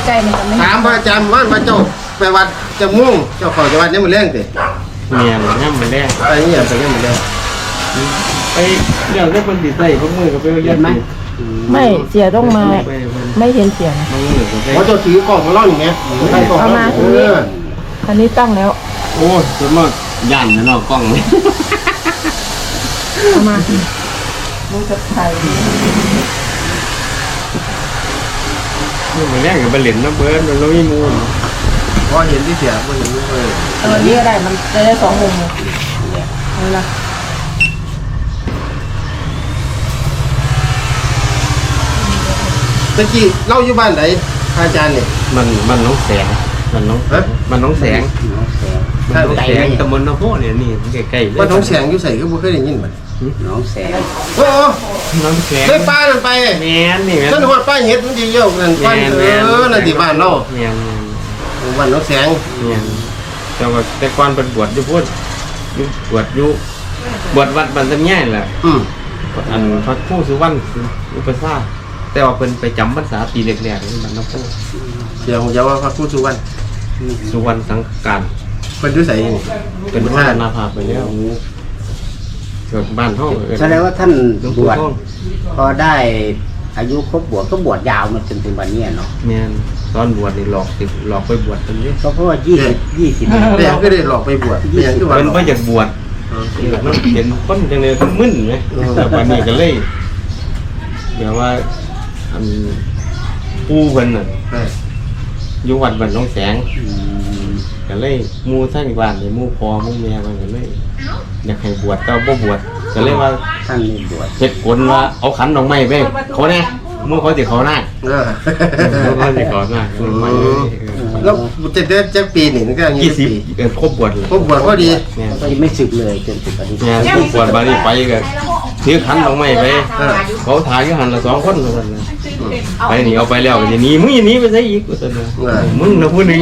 กล้ๆนี่ก็ไม่ถามพระอาจารย์ว่าเจ้าไปวัดจะม่วงเจ้าของจังหวัดนี้มันแรงสิเมียนย่ำมันแรงไปนี่อย่างไปนี่มันแรงไปเรื่องที่คนติดใจพวกมือก็ไปเรียนไหมไม่เสียต้องมาไม่เห็นเสียงบางมือก็ไปเพราะเจ้าถือกล่องมาล่ออย่างเงี้ยเอามาอันนี้ตั้งแล้วโอ้ส่วนมากย่านนอกกล้องเลยเอามาดูจะไทยมันแรงกับไปเล่นน้ำเบิร์ดมันไม่มีมูลพอเห็นที่เสียพอเห็นเลยตัวนี้ก็ได้มันจะได้2 มุมเลยนี่ละตะกี้เล่าอยู่บ้านไหนอาจารย์เนี่ยมันน้องแสงมันน้องมันน้องแสงมันน้องแสงตำบลนาโพเนี่ยนี่ใกล้ๆเลยว่าน้องแสงอยู่ใส่ก็บ่เคยได้ยินมันน้องแสงโอ้น้องแสงได้ป้านั่นไปแมนนี่แมนฉันว่าป้าเห็ดมันดีเยอะนั่นป้านั่นที่บ้านเนาะแมนบ้านน้องแสงแมนแต่ก่อนเป็นบวชอยู่พูดบวชอยู่บวชวัดบันทึกแง่แหละ อันพระผู้สุวรรณอุปสาแต่ว่าเป็นไปจำพรรษาปีแรกๆนี่มันนะผู้เสียงจะว่าพระครูสุวรรณสุวรรณสังการเป็นด้วยใส่เป็นพระนาภาไปแล้วเกิดบ้านห้องแสดงว่าท่านบวชพอได้อายุครบบวชก็บวชยาวมาจนถึงวันนี้เนาะเนี่ยตอนบวชนี่หลอกไปบวชเป็นเยอะก็เพราะว่า20 แต่ยังก็ได้หลอกไปบวชแต่ยังคือว่าเป็นไปจากบวชมันเห็นคนจังเลยคนมึนไหมแต่วันนี้ก็เลยแบบว่าอันปูเพิ่นน่ะอยู่วัดบ้านน้องแสงก็เลยมูทั้งบ้านเลยมูพอมูแม่มันก็เลยอยากให้บวชก็บ่บวชก็เลยว่าท่านนี่บวชเหตุผลว่าเอาขันดอกไม้ไปเขาเนี่ยมูเขาจะเขาหน้าเขาจะเขาหน้าดอกไม้แล้วจะได้จักปีนี่ก็อย่างนี้ปี 20ครบบวชเลยครบบวชพอดีเนี่ยก็ยังไม่สึกเลยจนถึงวันนี้เนี่ยครบบวชบานี้ไปก็ถือขันดอกไม้ไปเขาถ่ายอยู่หันละ2 คนเท่านั้นนะไปนี่เอาไปแล้วก็จะหนีมึงอย่าหนีไปซะอีกว่าซั่นนะมึงนะผู้หนึง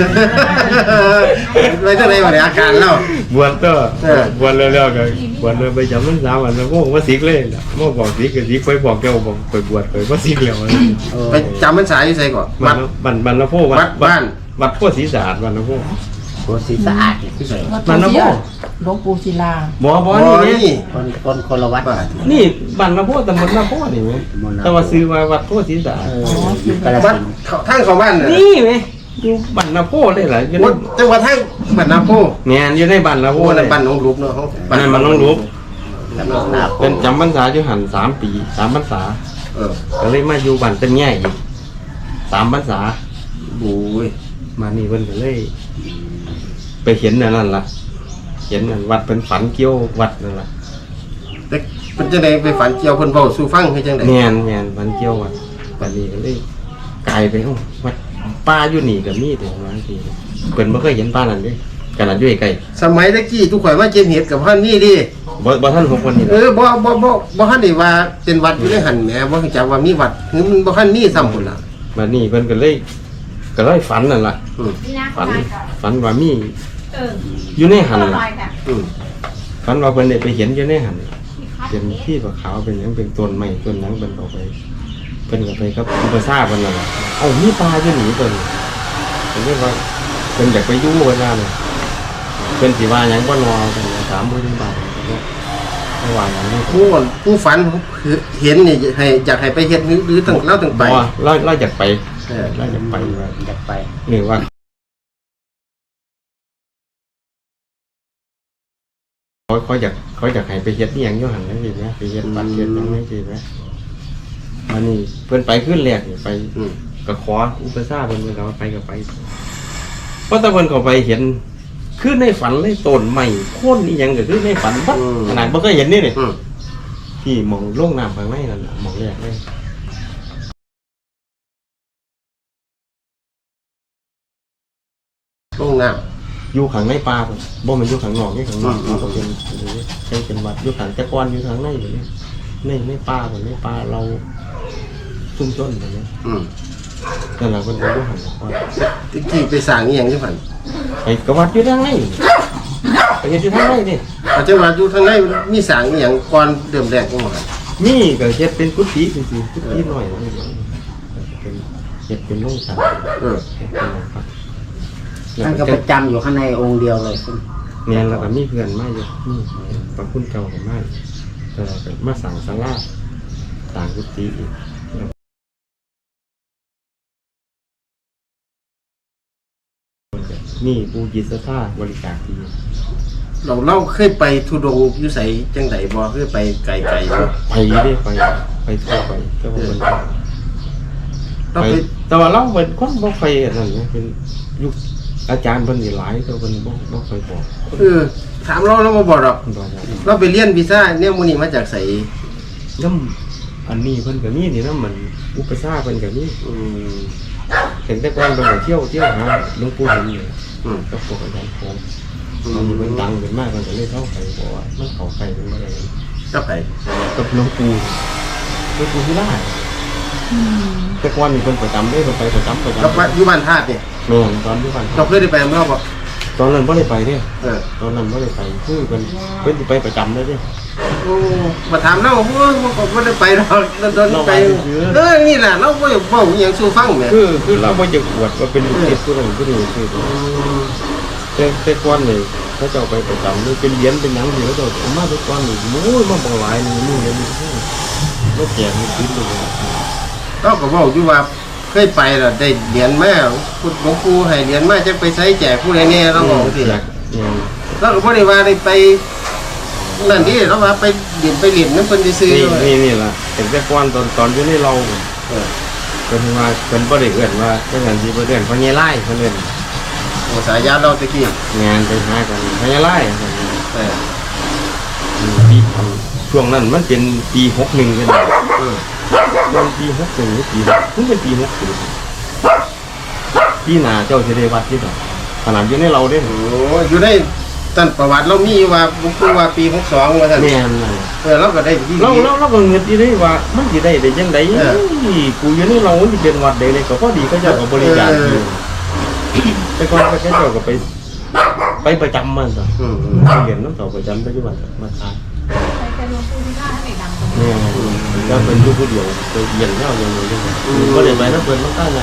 ไปเท่าไรวะเนี่ยอาการแล้วบวชก็บวชแล้วก็บวชเลยไปจำพรรษาวันแล้วพวกว่าสิกเลยล่ะพวกบอกสิกก็สิกไปบอกเจ้าบอกไปบวชไปว่าสิกแล้วไปจำพรรษาอยู่ใส่ก่อนบันละโพวัดโพศรีสะอาดบันละโพโคสีสะอาดที่ใส่บันละโพหลวงปู่ศิลาบ่นี่คนละวัดนี่บันละโพตำบลละโพนี่มั้ยแต่ว่าซื้อมาวัดโพศรีสะอาดกระวัดสินทางของบ้านเนี่ยนี่มั้ยอยู่บันละโพเลยล่ะอยู่ในจังหวัดทางบ้านนาโพเนี่ยอยู่ในบันละโพโอ้เลยบ้านน้องรูปเนาะอันนั้นมันต้องรู้แล้วก็หน้าเป็นจำพรรษาอยู่หัน3 ปี3 พรรษาก็เลยมาอยู่บ้านเป็นแง่อีก3 พรรษาโอ้ยมานี่เพิ่นก็เลยไปเห็นนั่นล่ะเห็นนั่นวัดเป็นฝันเกี่ยววัดนั่นล่ะแต่เป็นจังไดไปฝันเกี่ยวเพิ่นเว้าสู่ฟังคือจังได๋แม่นฝันเกี่ยววัดบัดนี้ก็เลยกลายไปวัดป่าอยู่นี่ก็มีแต่บางทีเพิ่นบ่เคยเห็นป่านั่นเด้ขนาดอยู่ใกล้สมัยตะกี้ทุกข่อยมาเก็บเห็ดกับพันนี่ดิบ่ทัน6วันนี้บ่ทันได้ว่าเป็นวัดอยู่ในหันแหมบ่รู้จักว่ามีวัดคือมันบ่ทันมีซ้ำพุ่นล่ะบัดนี้เพิ่นก็เลยฝันนั่นล่ะฝันว่ามีอยู่ในหันล่ะฝันว่าเพิ่นได้ไปเห็นอยู่ในหันเป็นที่ขาวเป็นหยังเป็นต้นไม้ต้นหยังเพิ่นเอาไปเพิ่นก็ไปกับอุปสาเพิ่นนั่นล่ะเอ้ามีปลาอยู่นี่เพิ่นเรียกว่าเพิ่นอยากไปอยู่เวลาเลยเพิ่นสิว่าหยังบ่รอเพิ่น30,000 บาทระหว่างนั้นผู้ฝันเห็นนี่ให้อยากให้ไปเฮ็ดหรือตั้งเราตั้งไปเราอยากไปเราอยากไปว่าอยากไปนี่ว่าเขาอยากให้ไปเฮ็ดนี่หยังอยู่หั่นจังซี่นะไปเฮ็ดบัตรเฮ็ดหยังจังซี่นะอันนี้เพิ่นไปขึ้นแรกนี่ไปก็ขออุปสาเพิ่นก็ไปก็ไปเพราะแต่เพิ่นก็ไปเห็นคือในฝันเลยต้นไม้โค่นนี่หยังก็คือในฝันบัดขนาดบ่เคยเห็นนี่นี่ที่มองลงน้ำข้างในนั่นน่ะมองแรกเลยลงน้ำอยู่ข้างในป่าพุ่นบ่แม่นอยู่ข้างนอกนี่ข้างนอกมันก็เป็นเป็นวัดอยู่ข้างแต่ก่อนอยู่ข้างในอยู่นี่ในป่าพุ่นในป่าเราชุมชนแบบนี้นั่นล่ะเพิ่นก็อยู่ข้างก่อนตะกี้ไปสร้างอีหยังจังซั่นไอ้กวัดอยู่ทางในไปเฮ็ดอยู่ทางในนี่อาจจะว่าอยู่ทางในมีสร้างอีหยังก่อนเริ่มแรกจังว่านี่ก็เฮ็ดเป็นกุฏิจังซี่กุฏิน้อยเป็นเฮ็ดเป็นโรงสัตว์เออเฮ็ดเป็นโรงสัตว์ท่านก็ประจำอยู่ข้างในองค์เดียวเลยแม่นแล้วก็มีเพื่อนมาอยู่นี่พระคุณเก่าก็มาแต่ว่าก็มาสั่งศาลาต่างกุฏิอีกนี่ปูจิตศรัทธาบริจาคดีเราเคยไปทุดงค์อยู่ไสจังไดบ่เคยไปไกลๆบ่ไปได้ไปทั่วไปแต่ว่ามันเราไปไปแต่ว่าเราเป็นคนบ่ค่อยอันนั้นนะเป็นยุคอาจารย์เพิ่นนี่หลายแต่เพิ่นบ่ค่อยบอกถามเราบ่บอกหรอกเพิ่นบอกว่าเราไปเรียนวีซ่าเนี่ยมื้อนี้มาจากไสน้ำอันนี้เพิ่นก็มีนี่นะมันอุปสรรคเพิ่นก็มีอืมเห็นแต่ก่อนเพิ่นก็เที่ยวหาหลวงปู่เห็นอยู่อืมกับพวกอาจารย์ของมันเพิ่นดังขึ้นมากเพิ่นก็เลยเข้าไปบอกว่ามันเข้าไปเป็นบ่ได้ก็ไปกับหลวงปู่ที่ล่าแต่ก่อนนี่เพิ่นประจำเด้เพิ่นไปประจำเราไปอยู่บ้านธาตุนี่แม่นตอนอยู่บ้านเราเคยได้ไปเมื่อบ่ตอนนั้นบ่ได้ไปเด้เออตอนนั้นบ่ได้ไปคือเพิ่นสิไปประจำเลยเด้โอ้มาถามเราโอ้ยมันก็ไม่ได้ไปหรอกตอนไปนี่แหละเราไม่บอกอหย่างสู้ฟังแหมคือเราบ่จะอวดว่าเป็นลูกศิษย์ผู้นั้นผู้นี้คือแต่ก่อนนี่เขาเจ้าไปประจำนี่เป็นเหรียญเป็นหยังที่เขาเจ้าเอามาทุกก่อนนี่โอ้ยมาบ่หลายนี่มื้อนี้บ่แจกนี่คิดเลยเราก็บอกอยู่ว่าเคยไปแล้วได้เหรียญมาพุทธหลวงปู่ให้เหรียญมาจะไปใช้แจกผู้ใดแน่เราบอกสิล่ะเราก็บ่ได้ว่าได้ไปนั่นนี่เราว่าไปเหรียญนั้นเพิ่นซื้อนี่ล่ะแต่ก่อนตอนอยู่ในเราเพิ่นว่าเพิ่นบ่ได้เอิ้นว่าจังซั่นสิบ่เอิ้นเพราะไงไล่เพิ่นเอิ้นโอ้สายยาเราตะกี้งานไปหากันเพราะไงไล่เออปีช่วงนั้นมันเป็นปี61กันมันปี61หรือปีมันเป็นปี60ปีหน้าเจ้าสิได้วัดที่บ่ขนาดอยู่ในเราเด้โอ้อยู่ในต้นประวัติเรามีว่าหลวงปู่ว่าปี62ว่าซั่นแม่นเราก็ได้ที่เราก็เงินที่ได้ว่ามันสิได้จังได๋กูอยู่ในเรามันสิเป็นวัดใดเลยก็พอดีเขาเจ้าก็บริจาคอยู่แต่ก่อนเขาเจ้าก็ไปประจำมันต่อเรียนน้ำต่อประจำปัจจุบันมาทานเนี่ยก็เป็นลูกผู้เดียวไปเรียนแล้วอย่างนี้ก็เลยไปแล้วเปิดมันตั้งไง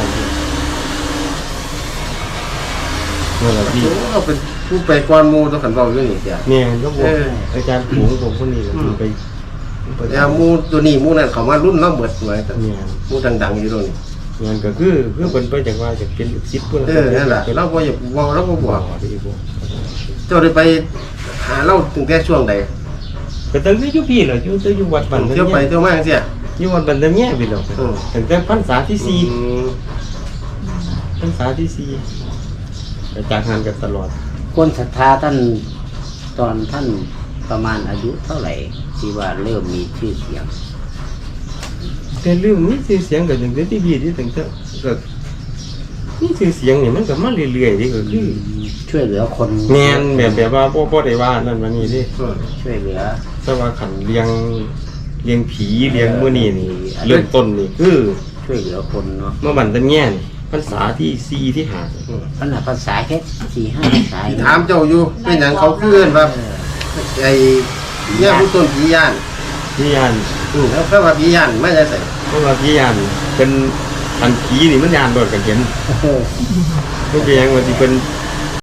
นั่นแหละพี่เราเป็นผู้ไปก่อนหมู่ต้องขันเว้าอยู่นี่จ้ะเนี่ยก็บอกอาจารย์ผงผมคนนี้ไปแล้วหมู่ตัวนี้หมู่นั้นเขามารุ่นเราเบิดไว้แต่เนี่ยหมู่ดังๆอยู่ตรงนี้งานก็คือเป็นไปจากว่าจะเป็นลูกศิษย์เพื่อนนั่นแหละเราบ่อยากเว้าเราบ่บอกที่บอกเจ้าได้ไปหาเราตั้งแต่ช่วงใดก็ตั้งแต่อยู่พี่เหรออยู่วัดบันเที่ยวไปเที่ยวมาจังซี่อยู่วัดบันเดมแย่พี่เหรอตั้งแต่พรรษาที่4พรรษาที่4ก็จากงานกันตลอดคนศรัทธาท่านตอนท่านประมาณอายุเท่าไหร่ที่ว่าเริ่มมีชื่อเสียงแต่เรื่องนี้ชื่อเสียงก็ตั้งแต่ที่พี่ที่ตั้งแต่ก็นี่ชื่อเสียงนี่มันก็มาเรื่อยๆนี่ก็คือช่วยเหลือคนแมนแบบว่าบ่ได้ว่านั่นว่านี่ดิช่วยเหลือแต่ว่าขันเลี้ยงผีเลี้ยงมื้อนี้นี่เริ่มต้นนี่คือช่วยเหลือคนเนาะเมื่อบันเดมแย่นี่พรรษาที่4ที่5 ขนาดภาษาแค่4-5ภาษาถามเจ้าอยู่เป็นหยังเขาคือเอิ้นว่าไอ้เนี่ยผู้ต้นผีย่านพี่ยานแล้วก็ว่าผีย่านมาจากไสเพราะว่าพี่ยานเป็นอันผีนี่มันยานโดดกันเห็นไม่ใช่ยังว่าที่เป็น